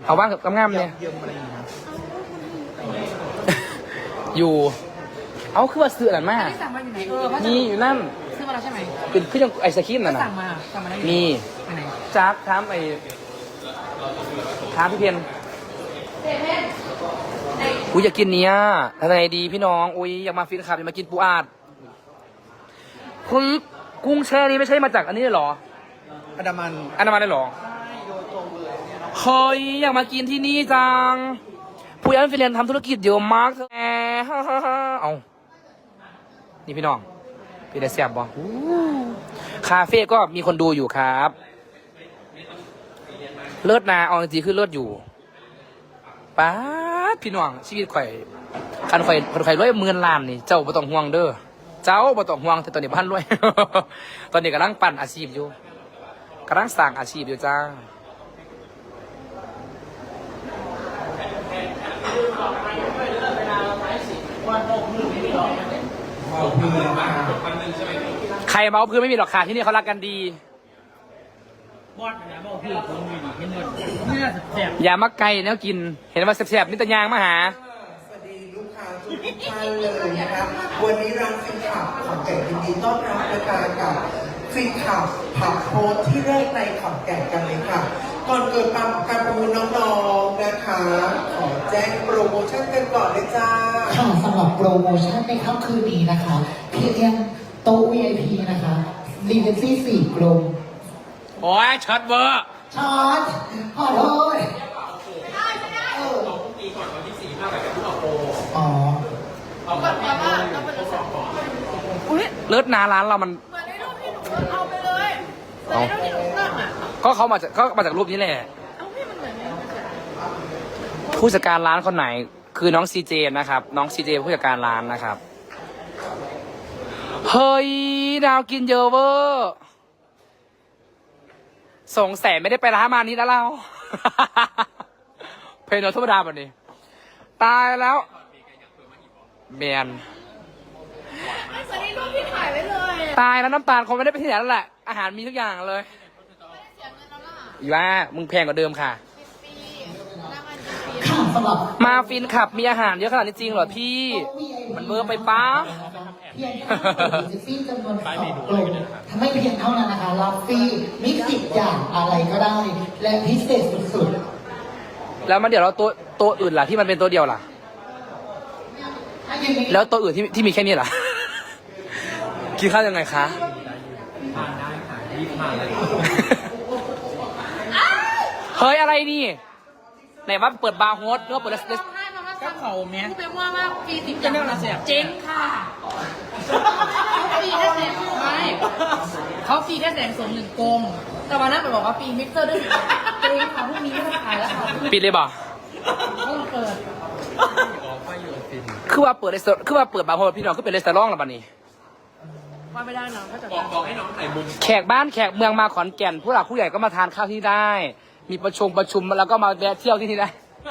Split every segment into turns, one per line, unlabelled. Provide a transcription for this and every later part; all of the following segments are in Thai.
เอาว่างกับงามๆเนี่ย
เยี่ยมอะไรอย่างเงี้ย
อยู่ เอาคือว่าซื้ออะไรมา
ที่สั่งมาอยู่ไหนเขา
นี่อยู่นั่น
ซื้อมาแล้วใช่ไหม
เป็นคือยังไอศครีมนั่น
ก็
น่ะ
สั่งมาได้
มี
ไปไหน
จักถามถามพี่เพียนอุ้ยอยากกินเนี้ยทำไงดีพี่น้องอุ้ยอยากมาฟินขับอยากมากินปูอาดคุณกุ้งแช่นี้ไม่ใช่มาจากอันนี้เลยเหรอ
อันดามัน
อันนั้นมาได้เหรอเฮ้ยอยากมากินที่นี่จังผู้ยันฟินแลนด์ทำธุรกิจเยอะมากเธอแหมเอานี่พี่น้องพี่ได้เสียบบ่คาเฟ่ก็มีคนดูอยู่ครับ เลิศนาเอาจริงๆคือเลิศอยู่ป๊าดพี่น้องชีวิตข่อยคันข่อยรวย10,000 ล้านนี่เจ้าบ่ต้องห่วงเด้อเจ้าบ่ต้องห่วงแต่ตอนนี้บ้านรวย ตอนนี้กำลังปั่นอาชีพอยู่กำลังสร้างอาชีพอยู่จ้าใครเมาพื้นไม่มีหรอกค่ะที่นี่เขารักกันดี
บอสนะบอกพี่ผมอยู่ดีเห็นหมดนี่น่าจะแสบ
อย่ามาไกลแนวกิน เห็นว่าแซ่บๆนี่ตะยางมาหา
สวัสดีลูกค้าทุกท่านเลยนะครับวันนี้ร้านฟินขับขอนแก่นยินดีต้อนรับประกาศกับฟินขับผับโพสที่แรกในขอนแก่นกันเลยค่ะก่อนเกิดการประมูลน้องๆนะคะขอแจ้งโปรโมชั่นกันก่อนเลยจ้า
ค่ะสำหรับโปรโมชั่นในค่ำคืนนี้นะคะเพียงโต๊ะ VIP นะคะรีเวนซี่4 กลม
โอ้ยช็อตเวอร์
ช็อตขอโทษอ๋อ
เลิศนาร้านเรามัน
เหมือนในรูปที่หนูเอาไปเลยแต่ในรูปที่หนูนั่งอ่ะ
ก็เขามาจากรูปนี้แหละ
เอาพี่มันเหมือนในรูปเลย
ผู้จัดการร้านคนไหน คือน้องซีเจนะครับ น้องซีเจผู้จัดการร้านนะครับ เฮ้ยดาวกินเยอะเวอร์สงสัยไม่ได้ไปร้านมานี้แล้วเรา เพลงโนธรรมดาแบบนี้ ตายแล้วแมน
ไม่ใช่ในรูปที่ถ่ายไว้เลย
ตายแล้วน้ำตาลคงไม่ได้ไปที่ไหนแล้วแหละ อาหารมีทุกอย่างเลย
เสียเงินแล้วล่ะ
อีว่ามึงแพงกว่าเดิมค่ะ
ปีนั่งอันนี้
ค่ะสำหรับ
มาฟินขับมีอาหารเยอะขนาดนี้จริงเหรอพี่ มันเบอร์ไปป้า
เพียงแค่รีเวนซี่จำนวน2 กลมทำให้เพียงเท่านั้นนะคะรับฟรีมิกซ์10 อย่างอะไรก็ได้ และพิเศษสุด
แล้วมันเดี๋ยวเราตัวอื่นล่ะที่มันเป็นตัวเดียวล่ะ
ๆถ้ายังไม่
แล้วตัวอื่นที่มีแค่นี้ล่ะ กินข้าวยังไงคะ
ทานได้ค่ะรีบมาเลย
เฮ้ยอะไรนี่ไหนว่าเปิดบาร์โฮสหรือว่าเปิดเลส
ร้องไห้มาว่า
ก็เขาเนี้ย
พูดไปว่าว่าปี10อย่างนะเจ๊งค่ะเขาฟรีแค่แสนไม่เขาฟรีแค่1,000,000 กลมแต่วันนั้นไปบอกว่าฟรีมิกเซอร์ด้วยเจ๊งค่ะพรุ่งนี้ไม่ต้องขายแล้วค่ะ
ปิดเลยบ่
ต้องเปิด
คือว่าเปิดบาร์โฮสพี่น้องคือเป็นเลสเตอรองแล้วบัดนี้
ว่าไม่ได้นะเขาจะ
บอกให้น้องถ่ายมุม
แขกบ้านแขกเมืองมาขอนแก่นผู้หลักผู้ใหญ่ก็มาทานข้าวที่ได้ มีประชุมแล้วก็มาแวะเที่ยวที่นี่ได้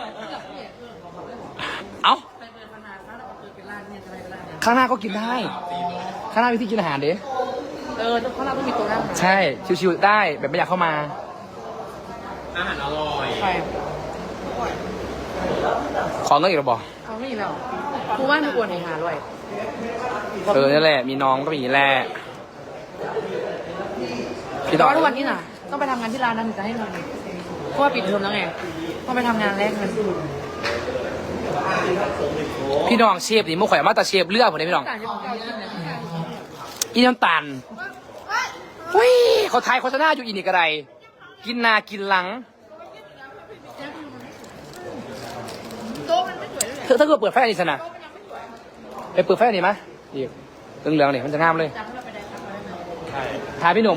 เอ้า
ไปเปิดพนันแล้วเราเปิดเป็นร้านเนี่ยจะไปเป็นร้านเนี่ย
ข้างหน้าก็กินได้ ข้างหน้ามีที่กินอาหารเด้
เพราะเราต้องมีตัวนั่ง
ใช่ ชิวๆได้แบบไม่อยากเข้ามา
อาหารอร่อย
ไป
ขอเงินอีกหรอบอก
เขาไม่มีแล้วกูว่าไม่ควรหาด้วย
นี่แหละ มีน้องก็มีแหละพี่
แต่
ต่อ
ว่าทุกวันนี้น่ะ ต้องไปทำงานที่ร้านนั้นถึงจะให้เงินเพราะว่าปิดเทอมแล้วไงต้องไปทำงานแรกเงิน
พี่น้องเชฟนี่มุกข่อยมาแต่เชฟเลือกผมเลยพี่น้อง
ต่างจากเก่าจริงนะ
อีน้ำตาลอุ้ยเขาทายโฆษณาอยู่อีนี่กระไรกินนากินหลัง
โต๊ะมันไม่สวยเลย
ถ้าเกิดเปิดไฟอันนี้สนะไปเปิดไฟอันนี้มะอีกเหลืองๆนี่มันจะงามเลย
จำให้เราไปได้ครับ
ทายพี่หนุ่ม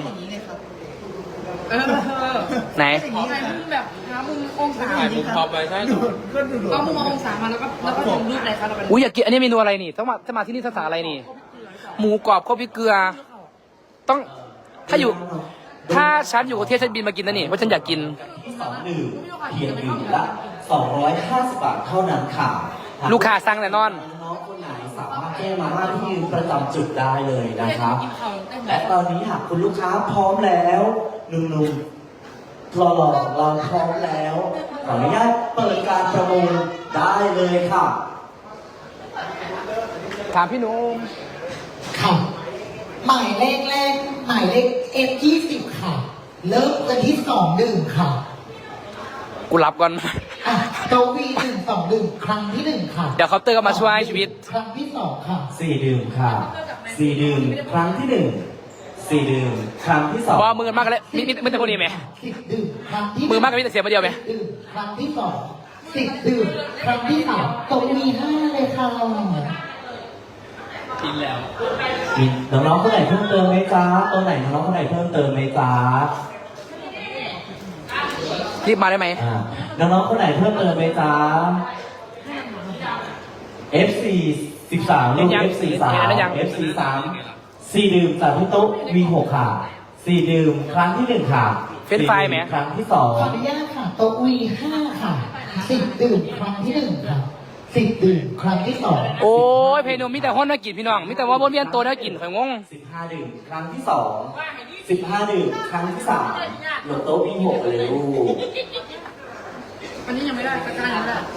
ไหน
อย่างนี้ไงมุมแบบหามุมองศา
ถ่ายมุมพอไปใช่
เอามุมองศามาแล้วก็ลงรูปอะไรคะเราไป
อุ้ยอยากกินอันนี้เมนูอะไรนี่ถ้ามาที่นี่ภาษาอะไรนี่ หมูกรอบข้าวพริกเกลือ ต้องถ้าฉันอยู่ประเทศฉันบินมากินนะนี่เพราะฉันอยากกิน
2 ดื่มเพียงดื่มละ250 บาทเท่านั้นค่ะ
ลูกค้าสั่งแน่นอน
น้องคนไหนสามารถแก้มาม่าที่ยืนประจำจุดได้เลยนะครับ
กินเขาได้ไหม
และตอนนี้หากคุณลูกค้าพร้อมแล้วหนุ่มๆหล่อๆของเราพร้อมแล้วขออนุญาตเปิดการประมูลได้เลยค่ะ
ถามพี่หนุ่ม
ค่ะ หมายเลขแรกหมายเลข F20 ค่ะ เริ่มกันที่2-1ค่ะ
กูรับก่อน
อ่ะโตวี1-2-1 ครั้งที่1ค่ะ
เดี๋ยวเขาน์เตอร์ก็มาช่วยชีวิต
ครั้งที่2ค่ะ
4 ดื่มค่ะ 4 ดื่มครั้งที่ 1 4 ดื่มครั้งที่ 2
ว่ามือมากกันเลยมิแต่คนนี้ไหม
10 ดื่มครั้งที่
มือมากกับมิแต่เสียมาเดียวไหม
10 ดื่มครั้งที่2 10 ดื่มครั้งที่3โตวี5เลยค่ะ
กินแล้ว
มีน้องๆคนไหนเพิ่มเติมไหมจ๊ะตัวไหนน้องๆคนไหนเพิ่มเติมไหมจ๊ะ
รีบมาได้ไหม
น้องๆคนไหนเพิ่มเติมไหมจ๊ะ FC 13ลูก FC 3 FC 3 4 ดื่มจากพี่ตุ๊ก V6 ค่ะ 4 ดื่มครั้งที่ 1 ค่ะ
เฟรนช์ฟรายไหม
ครั้งที่
ขออนุญาตค่ะโตวี5ค่ะ10 ดื่มครั้งที่1ค่ะ10 ดื่มครั้งที่2
โอ้ยเพนมมีแต่ห้อนน่ากินพี่น้องมีแต่ว่าบนเวียนตัวน่ากินข่อยงง
15 ดื่มครั้งที่ 2 15 ดื่มครั้งที่ 3หลบโต๊ะ V6 เลยลูก
อันนี้ยังไม่ได้ตะกร้ายังไม่ได้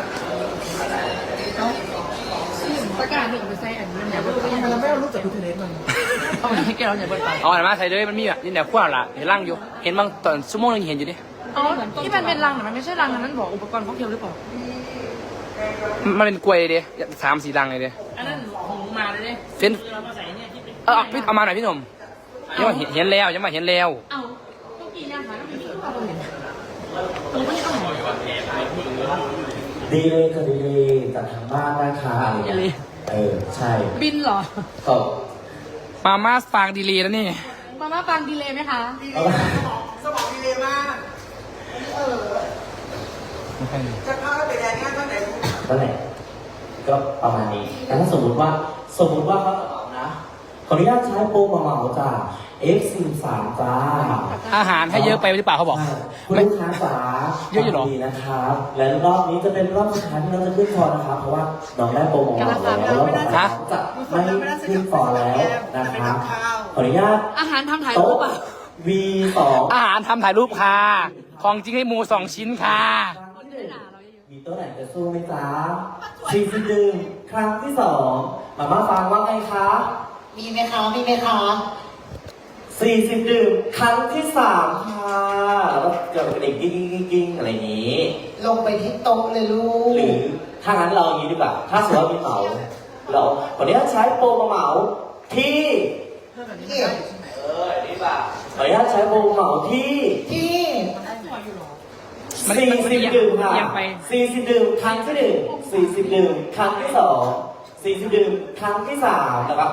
เอาตะกร้าหนึ่งไปใส่อันนี้เนี่ยเราไม่เอารูปจากพิเทเลสมันเอาให้แกเราอย่าเปิดไป
เอาอันมาใส่เลยมันมีแบบนี่แหละขั้วละเห็นร่างอยู่เห็นบางตอนชั่วโมงนึงเห็นอยู่ดิ
อ๋อที่มันเป็นรังแต่มันไม่ใช่รังนั้นบอกอุปกรณ์ค็อกเทลหรือเปล่า
มันเป็นกล้วยเลย3-4รังเลยดิ
อันนั้นของมาเลย
เฟนพี่เอามาหน่อยพี่หนุ่มยังมาเห็นแล้วยังมาเห็นแล้ว
เอาต้องกินนะคะแล้วไม่มีเราเห็นผมไม่ต้องหอ
ดีเลยค่ะดีเลยจากทางบ้านนะคะใช่
บินเหรอ
ตบ
มาม่าฟางดีลีแล้วนี่
มาม่าฟังดีเลยไหมคะ
สมองดีเลยมาก จะเข้าไปแดนงานตอนไหน
นั่นแหละก็ประมาณนี้แต่ถ้าสมมติว่าเขาจะเอานะขออนุญาตใช้โปรเหมาๆจ้า F43 จ้า
อาหารให้เยอะไปหรือเปล่าเขาบอก
คุณลูกค้าจ๋า
เยอะอยู่หรอ
ดีนะครับ และรอบนี้จะเป็นรอบสุดท้ายที่เราจะขึ้นฟอร์นะครับ เพราะว่าน้องได้โปรเหมาๆแล้วรอบต่อไปน้องจะไม่ขึ้นฟอร์แล้วนะครับขออนุญาต
อาหารทำถ่ายรูป
โต๊ะ
ป่ะ
V2
อาหารทำถ่ายรูปค่ะ ของจริงให้หมู2 ชิ้นค่ะ
มีตัวไหนจะสู้ไหมจ๊ะ40ดื่มครั้งที่2มาม่าฟังว่าไงคะ
มีไหมคะมีไหมคะ
40ดื่มครั้งที่3ค่ะแล้วก็เกิดกระดิ่งกิ้งอะไรอย่างนี้
ลงไปที่โต๊ะเลยลูก
หรือถ้างั้นเราอย่างนี้ดีกว่าถ้าสมมติว่ามีเหมาเราวันนี้ใช้โปรมาเหมาที่ดีป่ะขออนุญาตใช้โปรเหมาที่
ที่
40 ดื่มค่ะ
เอียงไป
40 ดื่มครั้งที่1 40 ดื่มครั้งที่2 40 ดื่มครั้งที่3นะครับ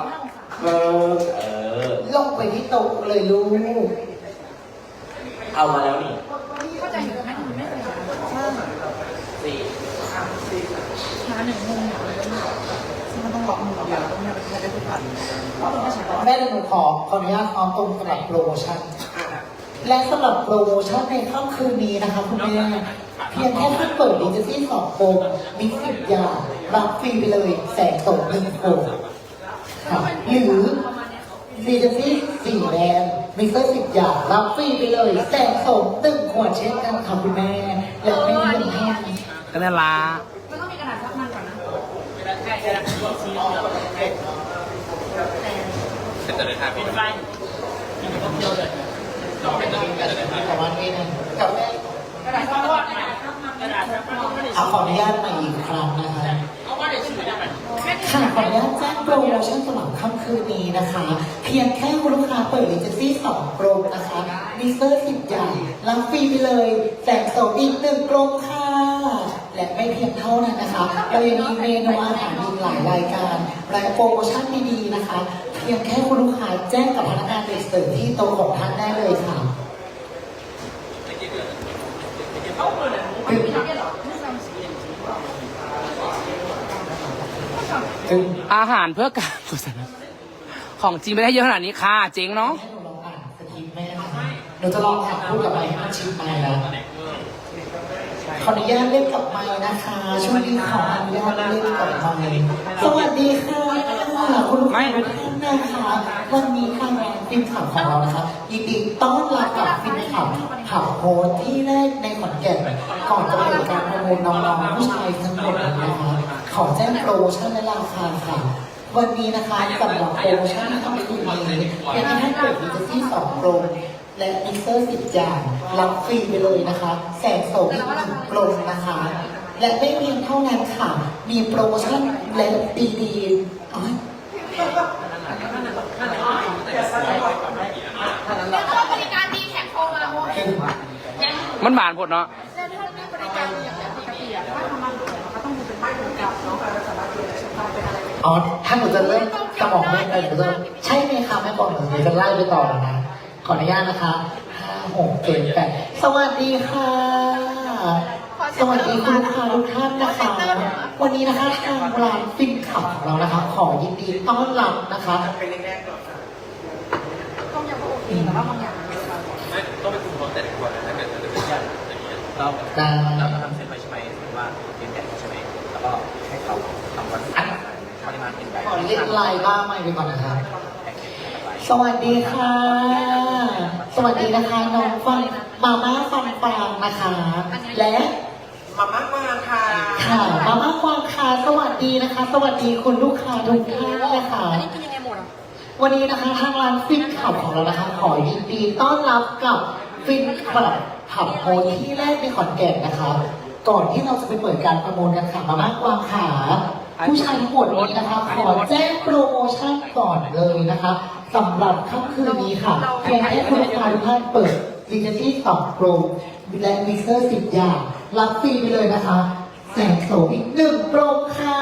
ลงไปที่โต๊ะเลยลูก
เอามาแล้วนี่
เข้าใจอยู่ไหมไม่เคยหาหนึ่งมุมมันต้องบอกมุมเดียวต้องไม่ได้ทุกพัน
แม่หนูขออนุญาตเอาตรงสำหรับโปรโมชั่น และสำหรับโปรโมชั่นในค่ำคืนนี้นะคะคุณแม่เพียงแค่ท่านเปิดดิจิซี่2โฟมมี10อย่างรับฟรีไปเลยแสงตก1โฟมค่ะหรือดิจิซี่4แบรนด์มีเซอร์10อย่างรับฟรีไปเลยแสงตก1ขวดเช่นกันค่ะคุณแม่และไม่มีเงินให้
ก็นั่นละ
มันต้องมีกระดาษซับมันก่อนนะ
จะได้ทานพี่ไฟ
ประมาณนี้นะกับแม่
กระดาษซับมันกระดาษซับมัน
เอาขออนุญาตมาอีกครั้งนะคะ
เอาว่าเดี๋ยวชื่อได้ไหม
ค่ะขออนุญาตแจ้งโปรโมชั่นสำหรับค่ำคืนนี้นะคะ เพียงแค่คุณลูกค้าเปิดลิเจซี่2กรงนะคะมีเซอร์10อย่างรับฟรีไปเลยแสงโสมอีก1กรงค่ะและไม่เพียงเท่านั้นนะคะเรายังมีเมนูอาหารอีกหลายรายการและโปรโมชั่นดีๆนะคะ เพียงแค่คุณลูกค้าแจ้งกับพนักงานเด็กเสิร์ฟที่โต๊ะของท่านได้เลยค่ะ
อาหารเพื่อการกุศลของจริงไม่ได้เยอะขนาดนี้ค่ะเจ๋งเนาะ
ให้หนูลองอ่านสคริปต์แม่นะคะหนูจะลองถามพูดกับไมค์ให้มันชิดไมค์แล้วขออนุญาตเล่นกับไมค์นะคะช่วงนี้ขออนุญาตเล่นกับไมค์สวัสดีค่ะคุณลูกค้าทุกท่านนะคะวันนี้ทางฟินขับของเรานะคะยินดีต้อนรับกับฟินขับขับโฮสที่แรกในขอนแก่นขก่อนจะไปดูการประมูลน้องๆผู้ชายทั้งหมดนะคะขอแจ้งโปรโมชั่นและราคาค่ะวันนี้นะคะสำหรับโปรโมชั่นที่ต้องคืนนี้เป็นให้เปิดดิจิทัล2กลมและมิเตอร์10อย่างรับฟรีไปเลยนะคะแสงโสมอีก1กลมนะคะ และไม่เพียงเท่านั้นค่ะมีโปรโมชั่นและดีๆอ๋อ
แล้วก็บริการดีแท็กโทรมาโมเอง
มันบานผดเนาะ
แล้วถ้ามีบริการดีอย่างปกติอะถ้าทำมันก็ต้องมีเป็นไม่ถึงกับเนาะสามารถเปลี่ยนชื่อเป็นอะไร
อ๋อถ้าหนูจะเริ่มสมองไม่เออหนูจะใช่ไหมคะแม่บอกหนูจะไล่ไปต่อแล้วนะขออนุญาตนะคะ5 6 7 8สวัสดีค่ะ สวัสดีคุณลูกค้าทุกท่านนะคะ วันนี้นะคะทางร้านฟินขับของเรานะคะ ขอยินดีต้อนรับนะคะ
เป็นแรกๆก่อนค่ะ
ต้องยังโอเคแต่ว่าบางอย่าง
ไม่ต้องไปคุมรถแต่ละคนนะถ้าเกิดจะเป็นอย่างนี้เรา
ได้
เราทำเส้นไปใช่ไหมหรือว่าเป็นแบบใช่ไหมแล้วก็ให้เขาทำวันปริมาณเป็นแบบ
ขอเรียกไลน์บ้างไม่ไปก่อนนะคะสวัสดีค่ะ สวัสดีนะคะน้องฟังมาม่าฟังฟางนะคะ และ
มาม่ามาค่ะ
ค่ะมาม่าฟังค่ะสวัสดีนะคะ สวัสดีคุณลูกค้าทุกท่านนะคะ
อันนี้กินยังไงหมดอ่ะ
วันนี้นะคะทางร้านฟินขับของเรานะคะ ขอยินดีต้อนรับกับฟินขับผับโฮนที่แรกในขอนแก่นนะคะ ก่อนที่เราจะไปเปิดการประมูลกันค่ะมามากกวางขาผู้ชายทั้งหมดนี้นะคะ ขอแจ้งโปรโมชั่นก่อนเลยนะคะสำหรับค่ำคืนนี้ค่ะเพียงแค่คุณลูกค้าทุกท่านเปิดดิจิทัล2โปรและมิเตอร์10อย่างรับฟรีไปเลยนะคะแสงโสมอีก1โปรค่ะ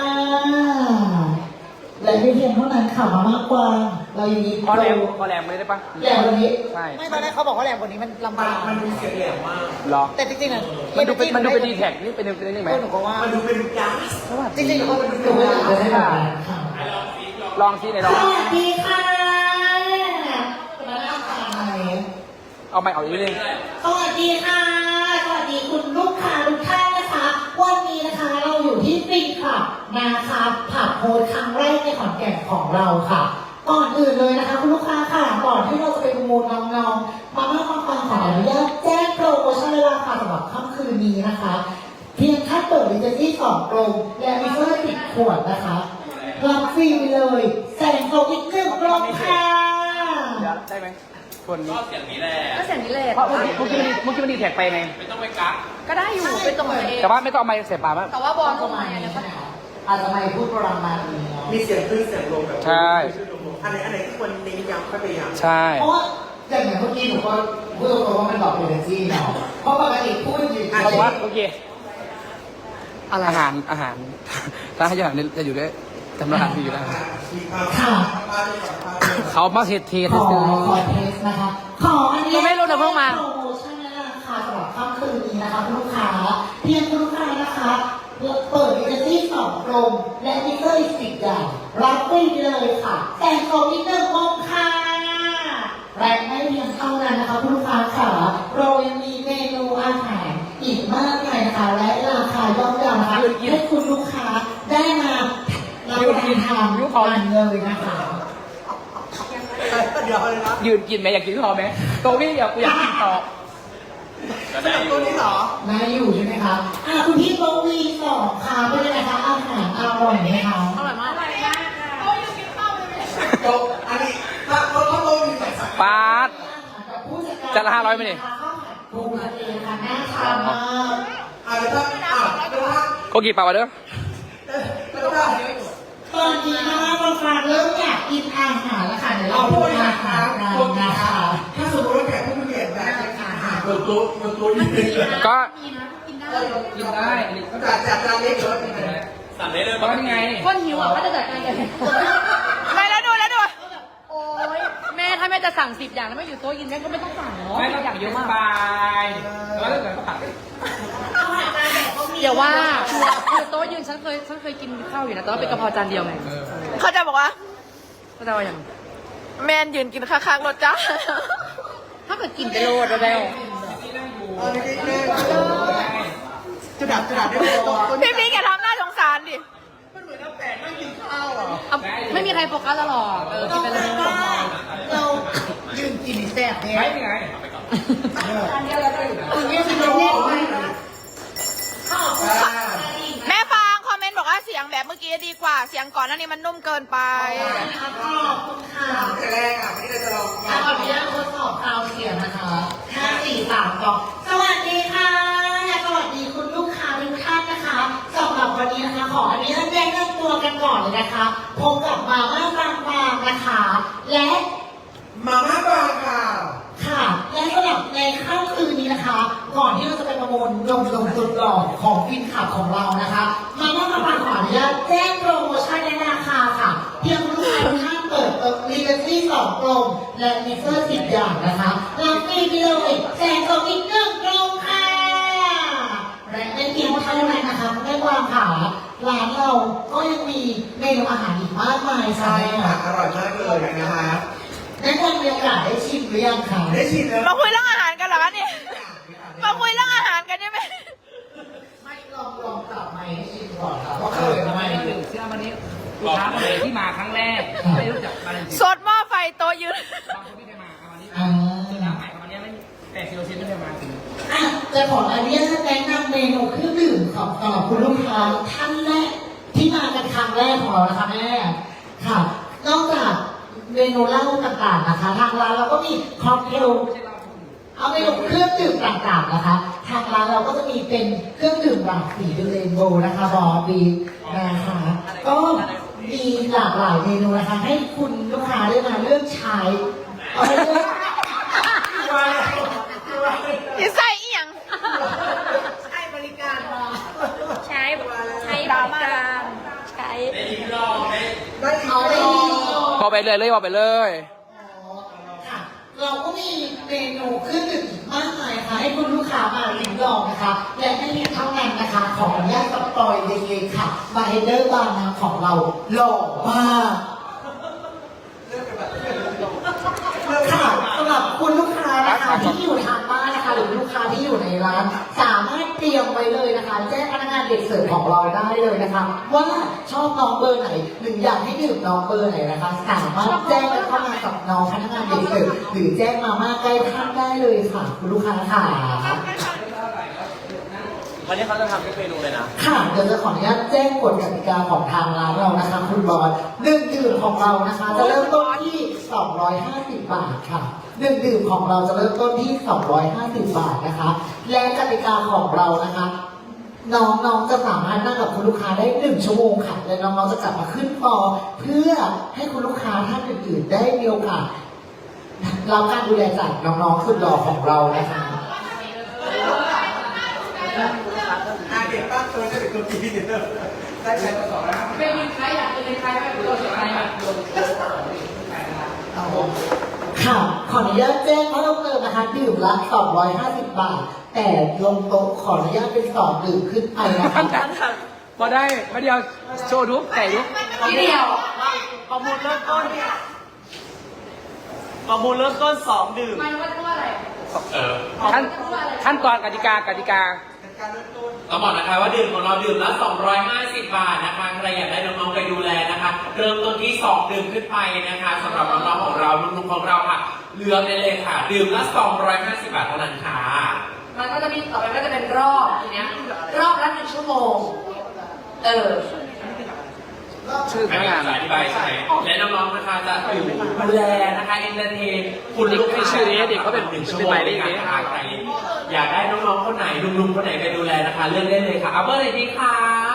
และไม่เพียงเท่านั้นค่ะมามากกวางเรายังมี
พอแรมไม่ได้ปะ
แหลมวันนี้
ใช่
ไม่ตอนแรกเขาบอกว่าแหลมกว่านี้มันลำบาก
มันดูเสียงแหลมมาก
หรอ
แต่จริงๆอ่ะ
มันดูเป็นดีแท็กนี่เป็นนี่ไหม
หนูก็ว่า
มันดูเป็นก๊าซ
จริงๆหนูก็
ดูไม่ได้เลยค่ะ
ลองซิไหนลอง
สวัสดีค่ะมาแล้วค่ะไหน
เอาไม่เอาอีกนิดนึง
สวัสดีค่ะ สวัสดีคุณลูกค้าทุกท่านนะคะ วันนี้นะคะเราอยู่ที่ฟินค่ะนะคะผับโฮสครั้งแรกในขอนแก่นของเราค่ะ ก่อนอื่นเลยนะคะคุณลูกค้าค่ะ ก่อนที่เราจะไปประมูลน้องๆมาม่าฟังขออนุญาตแจ้งโปรโมชั่นและราคาสำหรับค่ำคืนนี้นะคะ เพียงแค่เปิดดิจิทัล2กลมและมิเตอร์10ขวดนะคะรับฟรีไปเลยแสงโซอีก1กลมค่ะ
เดี๋ยวได้ไหมคนนี้
ก็เสียงนี้แหละ
ก็เสียงนี้แหละ
เพราะเมื่อกี้มันดีแท็กไปไง
ไม่ต้องไปกัก
ก็ได้อยู่เป็นตัวเอง
แต่ว่าไม่ต้องเอาไม้เสียบปากมั้ง
แต่ว่าบอล
ป
ก็
ระมา
มา
ณ
อัน
นี้
นี้
ใช่ไหมคะอาจจะไม่พูดประมาณนี้เนาะ
มีเสียงขึ้นเสียงลงแบบ
ใช่
อันไหนที่ควรเน้นย้ำก็ไปย้ำ
ใช่
เพราะว่าอย่างเมื่อกี้หนูก็พูดตรงๆว่ามันหลอกเอเนจีเนาะเพราะปกติพูดอยู่
เพราะว่าโอเคอาหารร้านอาหารจะอยู่ด้วยจำนวนอาหารอยู่แล้ว
มีความ
ค่ะ
เขามาเทส
ขอ
ซื้อ
เทสนะคะ ขออันนี้
ไม่รู้เดี๋ยวเพิ่งมา
โปรโมชั่นและราคาสำหรับค่ำคืนนี้นะคะคุณลูกค้าเพียงคุณลูกค้านะคะเปิดดิจิทัล2กลมและมิเตอร์อีก10อย่างรับฟรีไปเลยค่ะแต่ขออีก1กลมค่ะและไม่เพียงเท่านั้นนะคะคุณลูกค้าค่ะเรายังมีเมนูอาหารอีกมากมายนะคะและราคาย่อมเยานะคะให้คุณลูกค้าได้มารับประทานทานเลยนะคะ
เดี๋ยวเลยนะ
ยืนกินไหมอยากกินต่อไหมโตวี่อยากกินต่อ
ก็
ส
ได้
นับ
อ
ตัว
ยู่
นี้เหรอ
นายอยู่ใช่ไหมคะคุณพี่โบวีสองค่ะเป็นยังไงคะอาหารอร่อยไหมคะ
อร่อยมาก
โตอันนี้ถ้าโตอยู่ไหนสัก
ปาด จะละ500ไหมนี่
ปูทะเลค่ะน่าทานมาก
แล้วถ้า
โกกิปากมาเด้อ
แล้วถ้า
ตอนนี้นะคะบางครั้งเริ่มอยากกินอาหารแล้วค่ะเดี๋ยวเรา
เอา
พู
พู
ด
ด
อา
นะ
หา
คะ
ร
ตัว
กัน
นะ
นะคะ คะ
ถ้าสมมติว่าแขกผู้มีเกียรติแบบอาหารบนโต๊ะยืน
ก็
มีนะกินได้
กินได้อันนี้ก็
จัดจานเล็กเลย
สั่งได้เลย
เพราะนี่ไง
คนหิวอ่ะก็จะจัดการกันไม่แล้วดูโอ้ยแม่ถ้าแม่จะสั่ง10อย่างแล้วไม่อยู่โต๊ะกินแม่ก็ไม่ต้องสั่งเนาะ
ไม่ต้อง
อย่างเยอะมาก
บายแล้วถ้าเกิดเขาผัด
เดี๋ยวว่าคือโต๊ะยืนฉันเคยกินข้าวอยู่นะแต่ว่าเป็นกะเพราจานเดียวไง
เขาจะบอกว่า
ก็จะว่าอย่าง
แมนยืนกินข้างๆรถจ้า
ถ้าเกิดกินไปโลดแล้ว
จะดับได้ไหมโต๊ะ
พี่พี่แกทำหน้าสงสารดิ
มันเหมือนน้ำแปะนั่งกินข้าวอ่ะ
ไม่มีใครโฟกัสตลอดกินไปเลย
เรายืนกินแซ่บเนี่ย
ไม่ไง
คุณยืนกินเล่น
แบบเมื่อกี้ดีกว่า เสียงก่อนหน้านี้มันนุ่มเกินไป
ขอบคุณค่ะ
แต่แรกอ่ะวันนี้เราจะลอง
ขออนุญาตทดสอบซาวด์เสียงนะคะ5 4 3 2สวัสดีค่ะ สวัสดีคุณลูกค้าทุกท่านนะคะสำหรับวันนี้นะคะขออนุญาตแนะนำตัวกันก่อนเลยนะคะพบกับมาม่าบางๆนะคะ และ
มาม่าบางค่ะ
ค่ะและสำหรับในค่ำคืนนี้นะคะ ก่อนที่เราจะไปประมูลลงสุดหล่อของฟินขับของเรานะคะมาม่าบางๆขออนุญาตแจ้งโปรโมชั่นและราคาค่ะเพียงลูกค้าทุกท่านเปิดรีเจนซี่2กลมและมิกเซอร์10อย่างนะคะรับฟรีไปเลยแจกของอีก1กลมค่ะและไม่เพียงเท่านั้นนะคะแม่กวางค่ะร้านเราก็ยังมีเมนูอาหารอีกมากมาย
ใช่
ค่ะ
ค่ะอร่อยมากเลยนะคะ
แม่กวางมีโอกาสได้ชิมหรือยังคะ
ได้ชิมแล้ว
มาคุยเรื่องอาหารกันเหรอคะเนี่ยมาคุยเรื่องอาหารกันได้ไหม
ไม่ลองกลับมาให้ชิมก่อนครับว่าเคยทำไม
เชื่อวันนี้ลูกค้าคนไหนที่มาครั้งแรกไม่รู้จักมาเลยจริง
สดหม้อไฟโตะยืน
บางคนไม่เคยมาวันนี้
อ่า
คือน้ำใหม่วันนี้ไม่80%ไม่เคยมาถึง
อ่ะจะขออนุญาตแนะนำเมนูเครื่องดื่มของสำหรับคุณลูกค้าท่านแรกที่มากันครั้งแรกของเรานะคะแม่ค่ะ นอกจากเมนูเหล้าต่างๆนะคะ ทางร้านเราก็มีค็อกเทลเอาเมนูเครื่องดื่มต่างๆนะคะ ทางร้านเราก็จะมีเป็นเครื่องดื่มหลากสีเป็นเรนโบว์นะคะบอบีนะคะก็มีหลากหลายเมนูนะคะ ให้คุณลูกค้าได้มาเลือกใช้เอาไปเลือก
อีใส่อีหยัง
ให้บริการมา
ใช้บริการใช้
เอาไปดี
พอไปเลยพอไปเลย
ค่ะ เราก็มีเมนูเครื่องดื่มอีกมากมายค่ะ ให้คุณลูกค้ามาลิ้มลองนะคะ และไม่เพียงเท่านั้นนะคะ ขออนุญาตสปอยเล็กๆค่ะบาร์เฮเดอร์บาร์น้ำของเราหล่อมากค่ะสำหรับคุณลูกค้านะคะที่อยู่ทางบ้านนะคะ หรือลูกค้าที่อยู่ในร้าน สามารถเตรียมไว้เลยนะคะ แจ้งพนักงานเด็กเสิร์ฟของเราได้เลยนะคะ ว่าชอบน้องเบอร์ไหนหรืออยากให้ดื่มน้องเบอร์ไหนนะคะ สามารถแจ้งกันเข้ามากับน้องพนักงานเด็กเสิร์ฟหรือแจ้งมาม่าใกล้ท่านได้เลยค่ะ คุณลูกค้าค่ะ
วันนี้เขาจะทำทุกเมนูเลยนะ
ค่ะเดี๋ยวจะขออนุญาตแจ้งกฎกติกาของทางร้านเรานะคะ คุณบอลดื่มของเรานะคะ จะเริ่มต้นที่250 บาทค่ะดื่มของเราจะเริ่มต้นที่250 บาทนะคะ และกติกาของเรานะคะ น้องๆจะสามารถนั่งกับคุณลูกค้าได้1 ชั่วโมงค่ะและน้องๆจะกลับมาขึ้นฟอร์เพื่อให้คุณลูกค้าท่านอื่นๆ ได้มีโอกาสรับการดูแลจากน้องๆสุดหล่อของเรานะคะ
เด็กตั้งตัวได้เป็นตัวปีเนอร์ได้ใช้มาสองแล้ว
เป็นใครอยากเป็นใครไม่เป็นตัวใครมาโดน
ค่ะ ขออนุญาตแจ้งเพิ่มเติมนะคะดื่มละ250 บาท แต่ลงโต๊ะขออนุญาตเป็น2ดื่มขึ้นไปนะคะ
พอได้มาเดียวโชว์ดูไก่ดู
ทีเดียว
ประมูลเริ่มต้น2 ดื่ม
มันว่าตัวอะไร
ขั้นตอนกติกา
ต้องบอกนะคะว่าดื่มของเราดื่มละ250 บาทนะคะใครอยากได้น้องๆไปดูแลนะคะ เริ่มต้นที่2ดื่มขึ้นไปนะคะสำหรับน้องๆของเราลุงๆของเราค่ะเลือกได้เลยค่ะ ดื่มละ250 บาทเท่านั้นค่ะ
มันก็จะมีต่อไปก็จะเป็นรอบทีเนี้ยรอบละ1 ชั่วโมง
ชื่อพ
ไม่
นัก
มี
งาน
สายอธิบายใช่ไหมและน้องๆนะคะจะอยู่ดูแลนะคะเอนเตอร์เทนคุณลูกค้า
ชื่อนี้เด็กเขาเป็น
1 ชั่ว
เป็น
โมง
หมายเล
ใน
ข
การ
นี้
หาใครอยากได้น้องๆคนไหนลุงๆคนไหนไปดูแลนะคะเลือกได้เลยค่ะเอาเบอร์ไหนดีคะ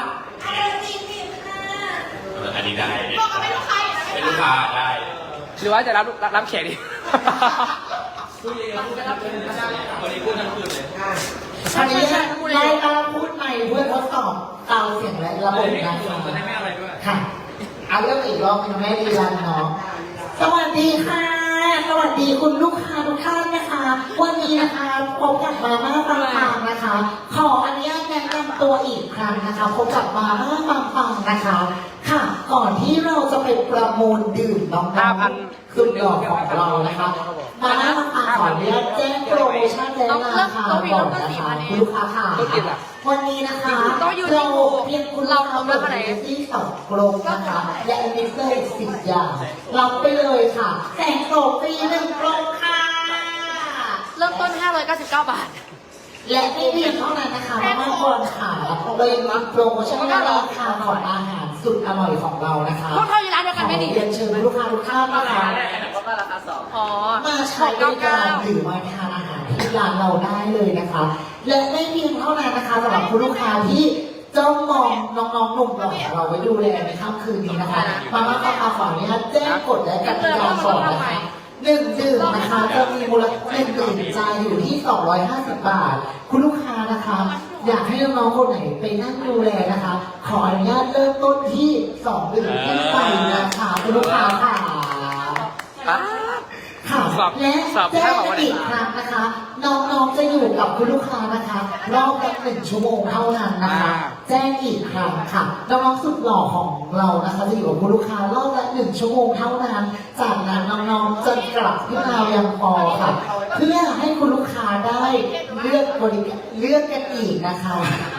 อันนี้ได้เป็นลูกค้าได้
หรือว่าจะรับแขกดี
พูดเยอะๆพูดทั้งคืนวันนี้พูดทั้งคืนเลย
อันนี้ไล่ตามพูดใหม่เพื่อทดสอบเตาเสียงและระบบนะ
จะได้ไม่อะไรด้วย
ค่ะเอาเรื่องอีกรอบเป็นแม่ดีรันเนาะสวัสดีค่ะ สวัสดีคุณลูกค้าทุกท่านนะคะ วันนี้นะคะพบกับมาม่าบางๆนะคะ ขออนุญาตแนะนำตัวอีกครั้งนะคะพบกับมาม่าบางๆนะคะ ค่ะ ก่อนที่เราจะไปประมูลดื่มน้องๆสุดหล่อของเรานะคะมาม่าบางๆขออนุญาตแจ้งโปรโมชั่นและราคาก่อนนะคะคุณลูกค้าค่ะวันนี้นะคะเราเพียงคุณเราทำราคาที่2 กลมนะคะและมิกเซอร์10 อย่างรับไปเลยค่ะแสงโสฟรี1 กลมค่ะ
เริ่มต้น 599 บาท
และไม่เพียงเท่านั้นนะคะมาม่าบอลค่ะเรายังมีโปรโมชั่นราคาของอาหารเสสุดอร่อยของเรานะคะ
พวกเขาอยู่ร้านเดียวกันไหมดิ
ขอเรียนเชิญลูกค้าทุกท่านนะคะ
อ๋อ
มาใช้บริการหรือมาทานอาหารที่ร้านเราได้เลยนะคะ และไม่เพียงเท่านั้นนะคะสำหรับคุณลูกค้าที่จ้องมองน้องๆหนุ่มหล่อของเราไว้ดูแลในค่ำคืนนี้นะคะมาม่าปลาขอนี้ค่ะแจ้งกฎและกติกาก่อนนะคะหนึ่งดื่มนะคะจะมีมูลค่า1 ดื่มจ่ายอยู่ที่ 250 บาท คุณลูกค้านะคะ อยากให้น้องๆคนไหนไปนั่งดูแลนะคะ ขออนุญาตเริ่มต้นที่2 ดื่มขึ้นไปนะคะคุณลูกค้าค่ะ ค่ะ
สับ
และ
สับ
แจ้
ให้
ง
บอกว่า
อีกครั้งนะคะ น้องๆจะอยู่กับคุณลูกค้านะคะรอบละ1 ชั่วโมงเท่านั้นนะคะ แจ้งอีกครั้งค่ะน้องๆสุดหล่อของเรานะคะจะอยู่กับคุณลูกค้ารอบละ1 ชั่วโมงเท่านั้น จากนั้นน้องๆจะกลับขึ้นมายังพอค่ะ เพื่อให้คุณลูกค้าได้เลือกบริการเลือกกันอีกนะคะ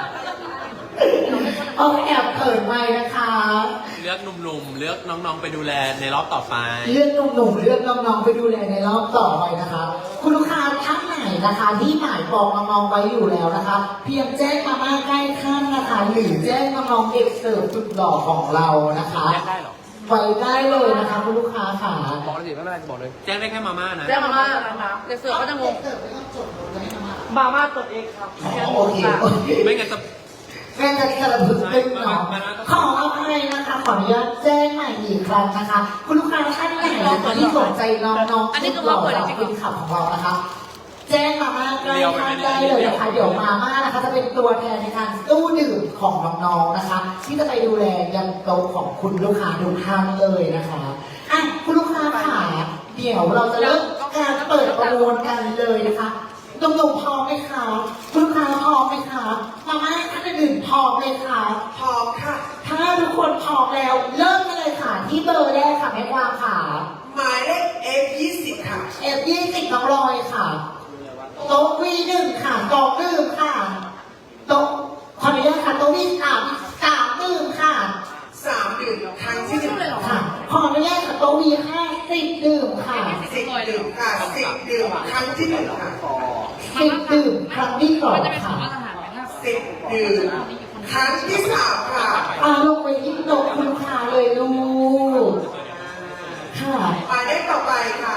เอาแอบเปิดไมค์นะคะ
เลือกหนุ่มๆ เลือกน้องๆ ไปดูแลในรอบต่อไป
เลือกหนุ่มๆเลือกน้องๆไปดูแลในรอบต่อไปนะคะ คุณลูกค้าท่านไหนนะคะที่หมายปองน้องๆไว้อยู่แล้วนะคะ เพียงแจ้งมาม่าใกล้ขั้นนะคะ หรือแจ้งน้องๆเด็กเสิร์ฟสุดหล่อของเรานะคะ
แจ้งได้เหรอ
ไว้ได้เลยนะคะคุณลูกค้าค่ะ
บอกเลยสิไม่เป็นไรบอกเลย
แจ้งได้แค่มาม่านะ
เรียกมาเดี๋ยวเสือเขาจะงง
มาม่าตัวเองครับโอเคโอเค
ไม่งั้นจะ
แม่จะกระพึกตึงเนาะขออภัยนะคะ ขออนุญาตแจ้งใหม่อีกครั้งนะคะ คุณลูกค้าท่านไหนนะคะที่สนใจน้องๆสุดหล่อจากเป็นขับของเรานะคะ แจ้งมาม่าใกล้ท่านได้เลยนะคะ เดี๋ยวมาม่านะคะจะเป็นตัวแทนในการตู้ดื่มของน้องๆนะคะ ที่จะไปดูแลยันโต๊ะของคุณลูกค้าทุกท่านเลยนะคะอ่ะคุณลูกค้าค่ะเดี๋ยวเราจะเริ่มการเปิดประมูลกันเลยนะคะหนุ่มๆพร้อมไหมคะคุณลูกค้าพร้อมไหมคะมาม่าท่านอื่นพร้อมเลยค่ะ
พร้อมค่ะ
ถ้าทุกคนพร้อมแล้ว เริ่มกันเลยค่ะที่เบอร์แรกค่ะแม่กวางค่ะ
หมายเลข F20 ค่ะ
F20 น้องลอยค่ะโต๊ะ V1 ค่ะ2 ดื่มค่ะโต๊ะขออนุญาตค่ะโต๊ะ V3 3 ดื่มค่ะ
3 ดื่มครั้งที่1
ค่ะขออนุญาตค่ะโต๊ะ V5 10 ดื่มค่ะ
10 ดื่มค่ะ 10 ดื่มครั้งที่1ค่ะ
10 ดื่มครั้งที่2ค่ะ
10 ดื่มครั้งที่3ค่ะ
ลงไปที่โต๊ะคุณลูกค้าเลยลูกค่ะ
หมายเลขต่อไปค่ะ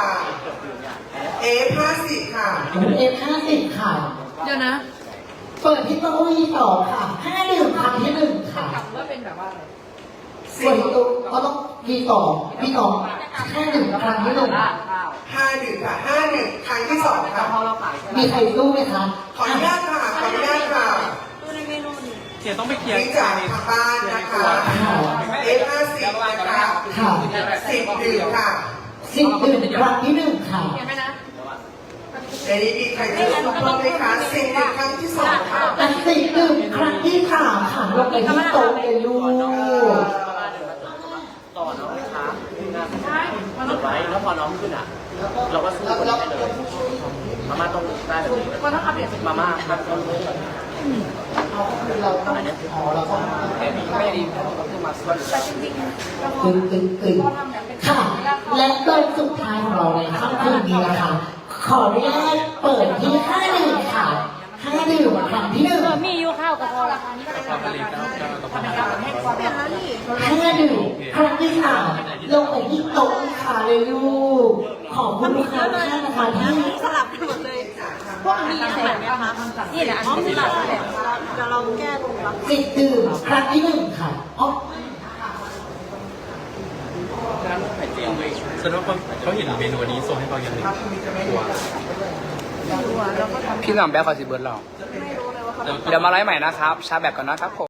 F50 ค่ะ
F50 ค่ะ
เดี๋ยวนะ
เปิดที่โต๊ะ V2 ค่ะ5 ดื่มครั้งที่1ค่ะ
ว่าเป็นแบบว่าอะไร
ส่วนตัวก็ต้องV2 5 ดื่มครั้งที่1
5 ดื่มค่ะ 5 ดื่มครั้งที่2ค่ะ
มีใครสู้ไหมคะ
ขออนุญาตค่ะ ขออนุญาตค่ะ
เขียนต้องไปเคลียร์
นี่จากทางบ้านนะคะ F50 นะคะ
ค่ะ
10 ดื่มค่ะ
10 ดื่มครั้งที่1ค่ะ
เห็นไหมนะ
ในนี้มีใครจะสู้เพิ่มไหมคะ10 ดื่มครั้งที่2ค่ะ
และ10 ดื่มครั้งที่3ค่ะลงไปที่โต๊ะเลยลูก
ต่อน้องนะคะจดไว้แล้วพอน้องขึ้นอ่ะ เราก็สู้คนได้เลยมาม่าต้องได้แบบนี้
มันต้องอัปเดต
มาม่าครับต้อง
เราต้องอ๋อเราต้อง
ไม่ดีขึ้นมาสวย
ตึงค่ะ และโดยสุดท้ายของเราในค่ำคืนนี้นะคะ ขออนุญาตเปิดที่5 ดื่มค่ะ5 ดื่มครั้งที่1
มีอยู่ข้าวกับพอราคานี้ก็ได้
ความผลิตแล้วก็ต้อง
5 ดื่มครั้งที่3ลงไปที่โต๊ะลูกค้าเลยลูก ขอบคุณลูกค้าทุกท่านนะคะที่
สลับกันหมดเลย พวกมีแสงนะคะนี่แหละอันนี้สลับกันแหละเดี๋ยวเราแก้ตรงรับ
10 ดื่มครั้งที่1ค่ะอ๋อ
ฉันว่าเขาเห็นเมนูนี้ส่งให้เขาอย่างหนึ่งตัว
พี่หน่ำแบ๊กขอสิเบิร์ดเราเดี๋ยวมาไลฟ์ใหม่นะครับ ชาแบบก่อนนะครับผม